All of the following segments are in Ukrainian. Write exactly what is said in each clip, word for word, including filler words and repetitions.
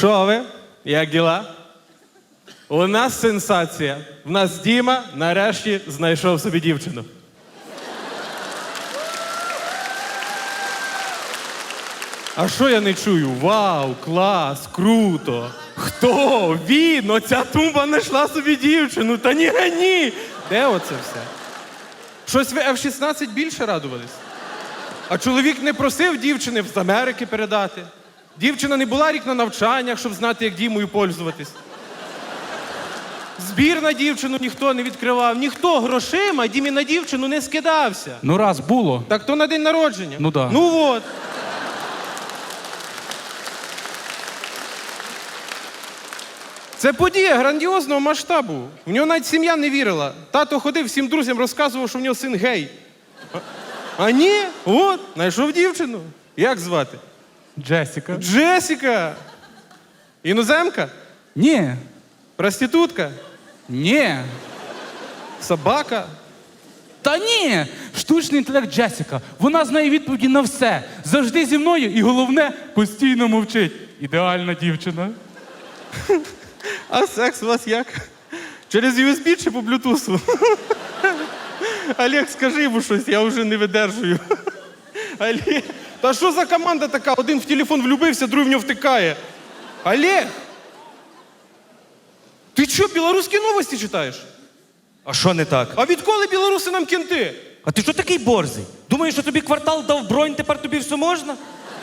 Шо ви? Як діла? У нас сенсація. В нас Діма нарешті знайшов собі дівчину. А що я не чую? Вау, клас, круто. Хто? Він, оця тумба знайшла собі дівчину. Та ні, ні. Де оце все? Щось ви еф шістнадцять більше радувались? А чоловік не просив дівчини з Америки передати. Дівчина не була рік на навчаннях, щоб знати, як Дімою пользуватись. Збір на дівчину ніхто не відкривав. Ніхто грошима Дімі на дівчину не скидався. Ну раз було. Так то на день народження. Ну да. Ну от. Це подія грандіозного масштабу. В нього навіть сім'я не вірила. Тато ходив, всім друзям розказував, що в нього син гей. А, а ні, от, знайшов дівчину. Як звати? Джесіка. Джесіка. Іноземка? Ні. Проститутка? Ні. Собака? Та ні! Штучний інтелект Джесіка. Вона знає відповіді на все. Завжди зі мною і, головне, постійно мовчить. Ідеальна дівчина. А секс у вас як? Через ю ес бі чи по блютусу? Олег, скажи йому щось, я вже не видержую. Олег, та що за команда така? Один в телефон влюбився, другий в нього втикає. Олег! Ти що, білоруські новості читаєш? А що не так? А відколи білоруси нам кінти? А ти що такий борзий? Думаєш, що тобі квартал дав бронь, тепер тобі все можна?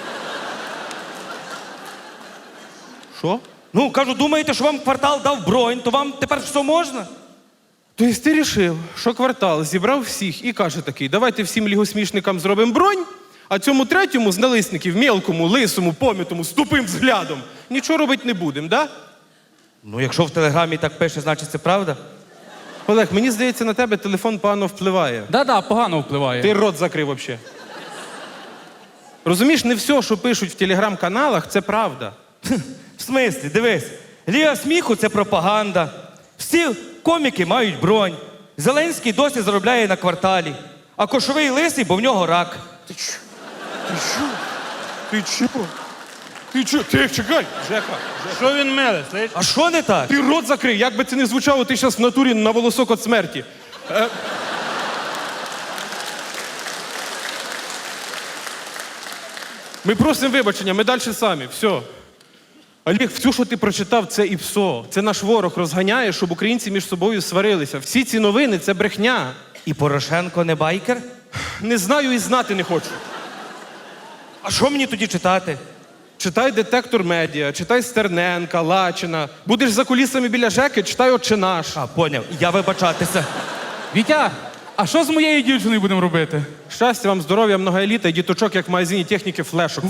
Що? Ну, кажу, думаєте, що вам квартал дав бронь, то вам тепер все можна? Тобто ти рішив, що квартал зібрав всіх і каже такий, давайте всім лігосмішникам зробимо бронь, а цьому третьому з налисників, мелкому, лисому, помітому, з тупим взглядом, нічого робити не будемо, да? Ну, якщо в телеграмі так пише, значить це правда? Олег, мені здається, на тебе телефон погано впливає. Да-да, погано впливає. Ти рот закрив взагалі. Розумієш, не все, що пишуть в телеграм-каналах, це правда. В смислі, дивись, Ліга сміху – це пропаганда. Всі коміки мають бронь. Зеленський досі заробляє на кварталі. А Кошовий лисий, бо в нього рак. Ти чо? Ти чо? Ти чо? Ти чо? Ти чекай, Жека. Що він меле, слиш? А що не так? Ти рот закрив, як би це не звучало, ти зараз в натурі на волосок від смерті. Е... Ми просимо вибачення, ми далі самі, все. Олег, все, що ти прочитав, це і псо. Це наш ворог розганяє, щоб українці між собою сварилися. Всі ці новини – це брехня. І Порошенко не байкер? Не знаю і знати не хочу. А що мені тоді читати? Читай «Детектор медіа», читай Стерненка, Лачина. Будеш за кулісами біля Жеки, читай «Отче наш». А, поняв, я вибачатися. Вітя, а що з моєю дівчиною будемо робити? Щастя вам, здоров'я, многоеліта і діточок, як в магазині техніки флешок.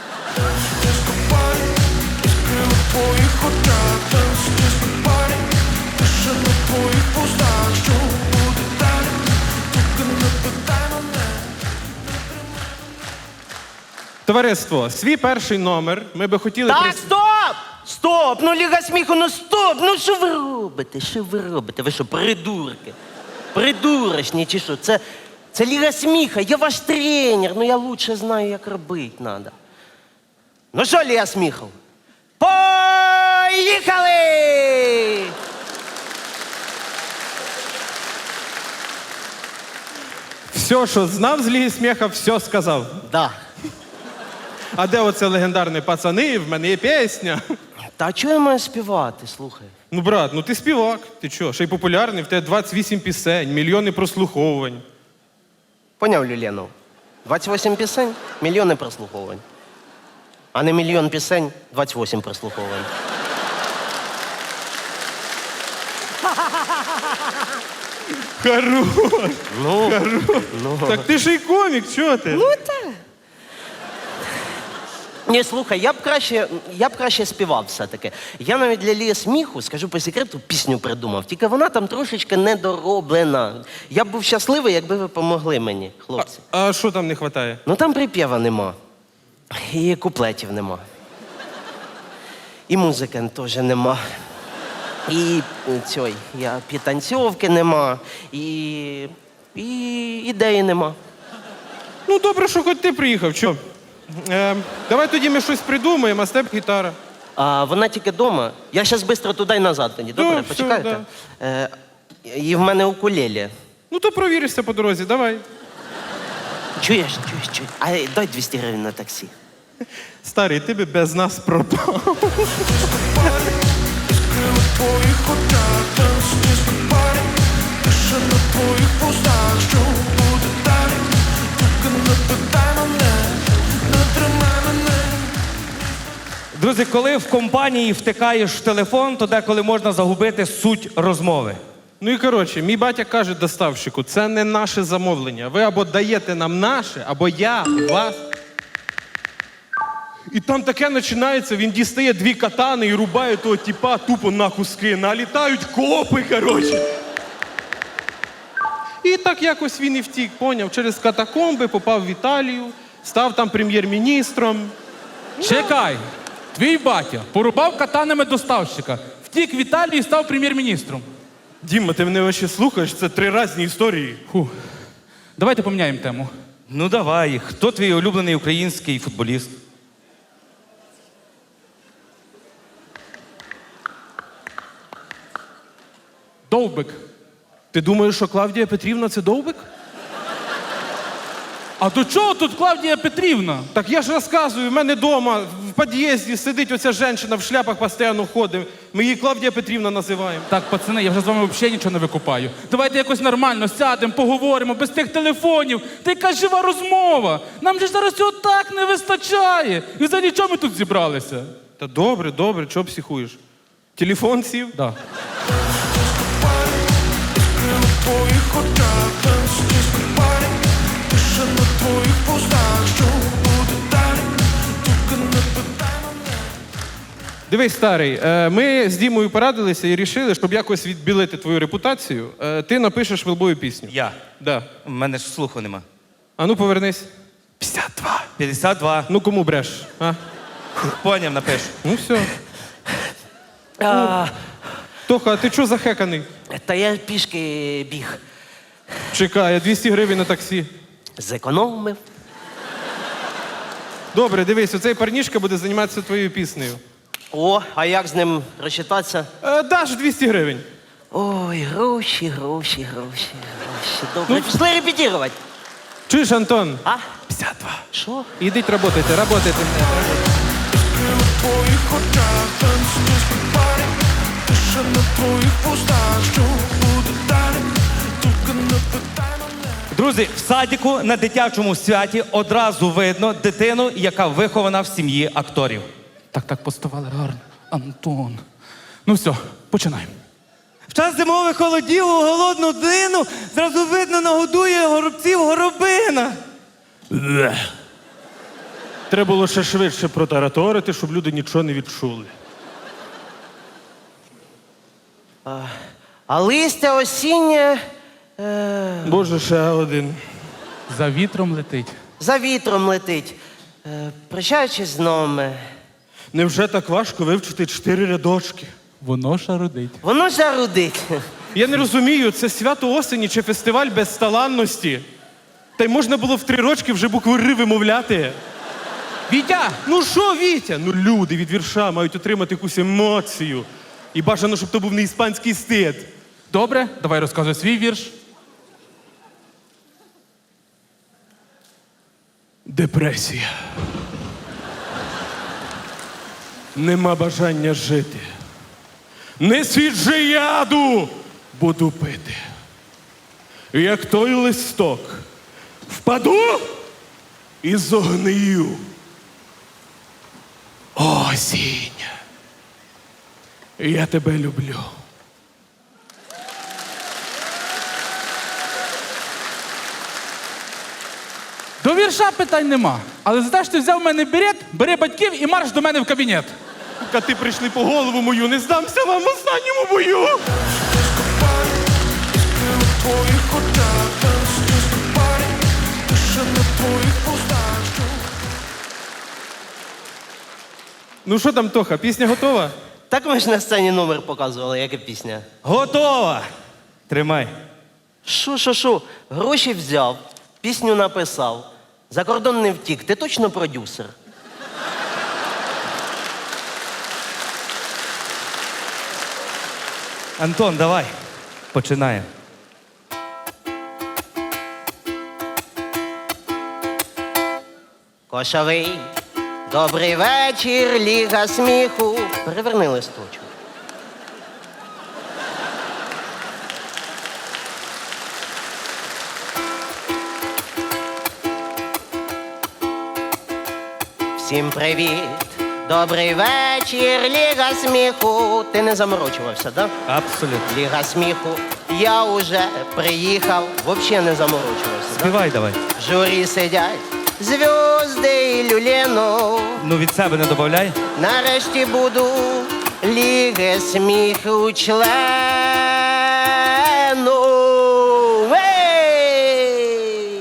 Товариство, свій перший номер ми би хотіли... Так, прис- стоп! Стоп! Ну, Ліга сміху, ну стоп! Ну що ви робите? Що ви робите? Ви що, придурки? Придурочні чи що? Це, це Ліга сміха, я ваш тренер, ну я лучше знаю, як робити треба. Ну що, Ліга сміху? Поїхали! Все, що знав з Ліги сміха, все сказав. Да. А де оце легендарне «Пацани, в мене є пісня»? Та а чого я маю співати, слухай? Ну, брат, ну ти співак, ти чо? Ще й популярний, в тебе двадцять вісім пісень, мільйони прослуховувань. Поняв, Люленов? двадцять вісім пісень, мільйони прослуховувань. А не мільйон пісень, двадцять вісім прослуховувань. Хорош! Ну, Хорош! ну. Так ти ж і комік, чого ти? Ну так. Ні, слухай, я б краще, я б краще співав все-таки. Я навіть для Лії сміху, скажу по секрету, пісню придумав. Тільки вона там трошечки недороблена. Я б був щасливий, якби ви помогли мені, хлопці. А що там не вистачає? Ну там припєва нема. І куплетів нема. І музики теж нема. І цьой, я підтанцьовки нема. І, і ідеї нема. Ну, добре, що хоч ти приїхав, чо? Е, давай тоді ми щось придумаємо, а з тебе гітара. А вона тільки вдома. Я зараз швидко туди й назад тоді. Добре, Ну, все, почекайте. Е, і в мене укулеле. Ну то провіришся по дорозі, давай. Чуєш, чуєш, чуєш. А дай двісті гривень на таксі. Старий, ти би без нас пропав. твоїх очах танцюєш на парі, тиша на твоїх вустах, що буде далі? Тільки не питай мене, не тримай мене. Друзі, коли в компанії втикаєш в телефон, то деколи можна загубити суть розмови. Ну і коротше, мій батя каже доставщику, це не наше замовлення. Ви або даєте нам наше, або я вас. І там таке починається, він дістає дві катани і рубає того тіпа тупо на куски. Налітають копи, коротше. І так якось він і втік, поняв, через катакомби попав в Італію, став там прем'єр-міністром. Чекай, твій батя порубав катанами доставщика, втік в Італію і став прем'єр-міністром. Діма, ти мене вообще слухаєш? Це три різні історії. Фу. Давайте поміняємо тему. Ну давай, хто твій улюблений український футболіст? Довбик. Ти думаєш, що Клавдія Петрівна це довбик? А до чого тут Клавдія Петрівна? Так я ж розказую, в мене вдома в під'їзді сидить оця жінка в шляпах постійно ходить. Ми її Клавдія Петрівна називаємо. Так, пацани, я вже з вами взагалі нічого не викупаю. Давайте якось нормально сядемо, поговоримо, без тих телефонів. Та яка жива розмова. Нам же ж зараз цього так не вистачає. І за нічого ми тут зібралися. Та добре, добре, чого психуєш? Телефон сів? Да. В твоїх очах танцюєш на парі, тиша на твоїх вустах, що буде далі? Тільки не питай мене. Дивись, старий, е, ми з Дімою порадилися і рішили, щоб якось відбілити твою репутацію, е, ти напишеш вилбою пісню. Я. Да. У мене ж слуху нема. А ну повернись. п'ятдесят два. п'ятдесят два. Ну кому бреш? А? Поняв, напишу. Ну все. А, Тоха, а ти чого захеканий? та я пішки біг. Чекай, я двісті гривень на таксі. Зекономив. Добре, дивись, оцей парнішка буде займатися твоєю піснею. О, а як з ним розчитатися? Е, даш двісті гривень. Ой, гроші, гроші, гроші, гроші. Добре, пішли репетирувати. Чуєш, Антон? А? п'ятдесят два. Що? Ідіть работайте, работайте. В твоїх очах танцюєш на парі, тиша на твоїх вустах, що буде далі? Тільки не питай мене. Друзі, в садіку на дитячому святі одразу видно дитину, яка вихована в сім'ї акторів. Так, так, поставали гарно. Антон. Ну все, починаємо. В час зимових холодів у голодну дину зразу видно нагодує горобців горобина. Треба було ще швидше протараторити, щоб люди нічого не відчули. А листя осіннє е, Боже, ще один. За вітром летить. за вітром летить. Е, прощаючись з нами. Невже так важко вивчити чотири рядочки? Воно шарудить. Воно жарудить. Я не розумію, це свято осені чи фестиваль безталанності. Та й можна було в три рочки вже букву Р вимовляти. Вітя! Ну що, Вітя? Ну люди від вірша мають отримати якусь емоцію. І бажано, щоб то був не іспанський стид. Добре, давай розказуй свій вірш. Депресія. Нема бажання жити. Несіть же яду, буду пити. Як той листок. Впаду і зогнию. Осінь. Я тебе люблю. До вірша питань нема. Але за те, що ти взяв в мене берет, бери батьків і марш до мене в кабінет. Коти прийшли по голову мою, не здамся вам в останньому бою. В твоїх очах танцюєш на парі, тиша на твоїх вустах, що Ну що там, Тоха, пісня готова? Так ми ж на сцені номер показували, яка пісня. Готова! Тримай. Шо, шо, шо, гроші взяв, пісню написав, за кордон не втік. Ти точно продюсер? Антон, давай. Починаємо. Кошовий, добрий вечір, ліга сміху. Переверни листочок. Всім привіт, добрий вечір, ліга сміху. Ти не заморочувався, так? Да? Абсолютно. Ліга сміху, я уже приїхав, взагалі не заморочувався. Да? Співай давай. В журі сидять зв'язди і люленов. Ну від себе не додай. Нарешті буду ліги сміху члену. Ей!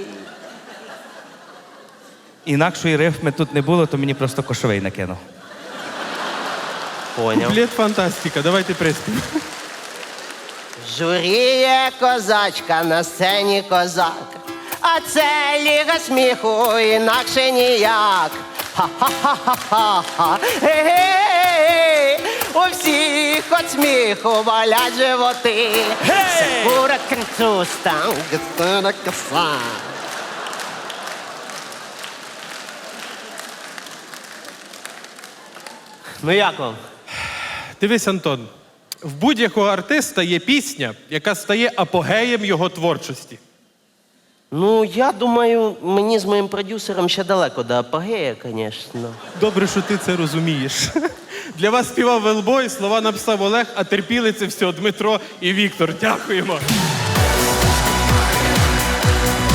Інакшої рифми тут не було, то мені просто Кошовий накинув. Поняв. Куплет фантастика, давайте приспів. В журі є козачка, на сцені козак. А це ліга сміху, інакше ніяк. Ха-ха-ха-ха-ха. Ге-ге-ге. У всіх от сміху болять животи. Сакура крицуста, гастана коса. Ну як вам? Дивись, Антон, в будь-якого артиста є пісня, яка стає апогеєм його творчості. Ну, я думаю, мені з моїм продюсером ще далеко до апогея, звісно. Добре, що ти це розумієш. Для вас співав Велбой, слова написав Олег, а терпіли це все Дмитро і Віктор. Дякуємо.